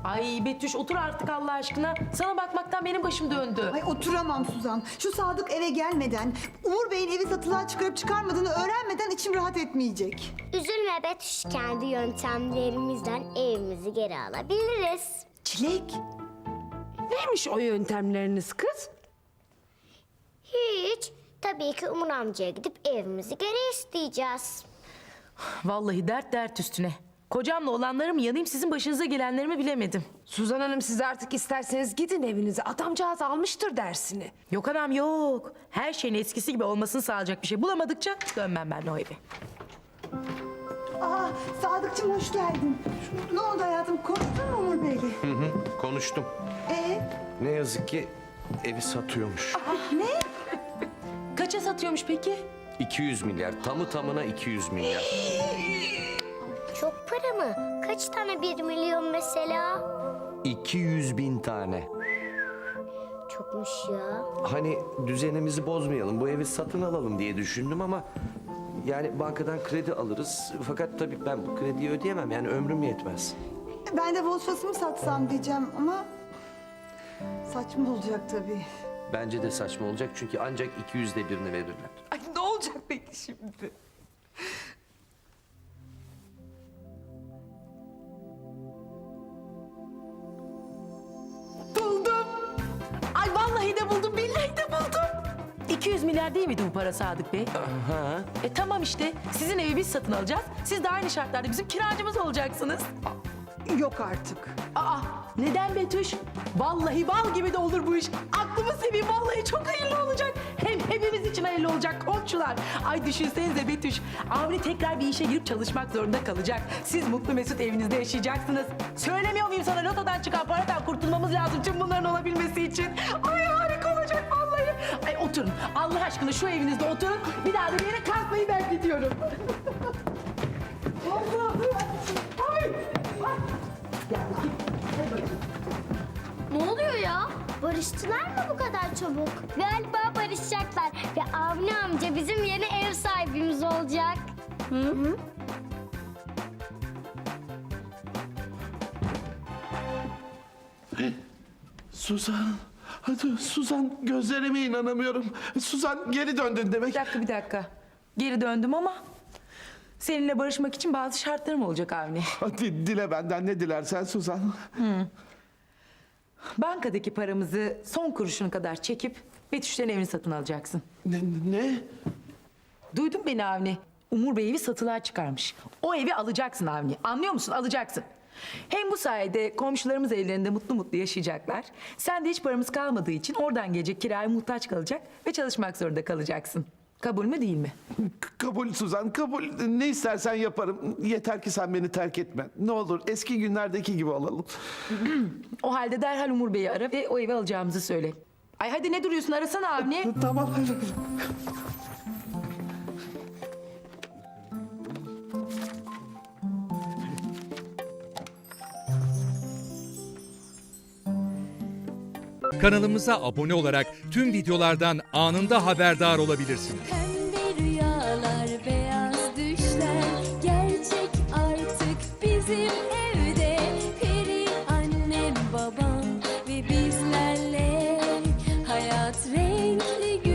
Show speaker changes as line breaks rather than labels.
Ay Betüş otur artık Allah aşkına. Sana bakmaktan benim başım döndü.
Ay oturamam Suzan. Şu Sadık eve gelmeden, Umur Bey'in evi satılığa çıkarıp çıkarmadığını öğrenmeden içim rahat etmeyecek.
Üzülme Betüş, kendi yöntemlerimizden evimizi geri alabiliriz.
Çilek.
Neymiş o yöntemleriniz kız?
Hiç. Tabii ki Umur amcaya gidip evimizi geri isteyeceğiz.
Vallahi dert dert üstüne. Kocamla olanları mı yanayım sizin başınıza gelenleri mi bilemedim.
Suzan Hanım siz artık isterseniz gidin evinize. Adamcağız almıştır dersini.
Yok anam yok. Her şeyin eskisi gibi olmasını sağlayacak bir şey bulamadıkça dönmem ben o eve.
Aa, Sadıkçım hoş geldin. Ne oldu hayatım? Konuştun mu Umur Bey'le?
Konuştum. Ne yazık ki evi satıyormuş.
Ne?
Kaça satıyormuş peki?
200 milyar. Tamı tamına 200 milyar.
Çok para mı? Kaç tane 1 milyon mesela?
200 bin tane.
Çokmuş ya.
Hani düzenimizi bozmayalım, bu evi satın alalım diye düşündüm ama... Yani bankadan kredi alırız. Fakat tabii ben bu krediyi ödeyemem. Yani ömrüm yetmez.
Ben de Volkswagen'ı satsam diyeceğim ama... saçma olacak tabii.
Bence de saçma olacak çünkü ancak 200'de birini verirler.
Ay ne olacak peki şimdi? Buldum. Ay vallahi de buldum, billahi de buldum. 200 milyar değil miydi bu para Sadık Bey?
Ha?
Tamam işte. Sizin evi biz satın alacağız. Siz de aynı şartlarda bizim kiracımız olacaksınız.
Yok artık.
Aa, neden Betüş? Vallahi bal gibi de olur bu iş. Aklımı seveyim, vallahi çok hayırlı olacak. Hem hepimiz için hayırlı olacak komşular. Ay düşünsenize Betüş. Avni tekrar bir işe girip çalışmak zorunda kalacak. Siz mutlu mesut evinizde yaşayacaksınız. Söylemiyor muyum sana, lotodan çıkan paradan kurtulmamız lazım tüm bunların olabilmesi için. Ay harika olacak vallahi. Ay oturun. Allah aşkına şu evinizde oturun. Bir daha da bir yere kalkmayı ben gidiyorum. Ay.
Ne oluyor ya? Barıştılar mı bu kadar çabuk? Galiba barışacaklar ve Avni amca bizim yeni ev sahibimiz olacak. Hı?
Suzan, hadi Suzan gözlerime inanamıyorum. Suzan geri döndün demek.
Bir dakika. Geri döndüm ama seninle barışmak için bazı şartlarım olacak Avni.
Hadi dile benden ne dilersen Suzan.
Bankadaki paramızı son kuruşuna kadar çekip Betüş'ten evini satın alacaksın.
Ne?
Duydun beni Avni. Umur Bey evi satılığa çıkarmış. O evi alacaksın Avni. Anlıyor musun? Alacaksın. Hem bu sayede komşularımız evlerinde mutlu mutlu yaşayacaklar. Sen de hiç paramız kalmadığı için oradan gelecek kiraya muhtaç kalacak ve çalışmak zorunda kalacaksın. Kabul mü değil mi?
Kabul Suzan, kabul. Ne istersen yaparım. Yeter ki sen beni terk etme. Ne olur eski günlerdeki gibi olalım.
O halde derhal Umur Bey'i ara ve o evi alacağımızı söyle. Ay hadi ne duruyorsun, arasana Avni.
Tamam.
Kanalımıza abone olarak tüm videolardan anında haberdar olabilirsiniz.
Pembe rüyalar, beyaz düşler gerçek artık bizim evde. Peri annem, babam ve bizlerle hayat renkli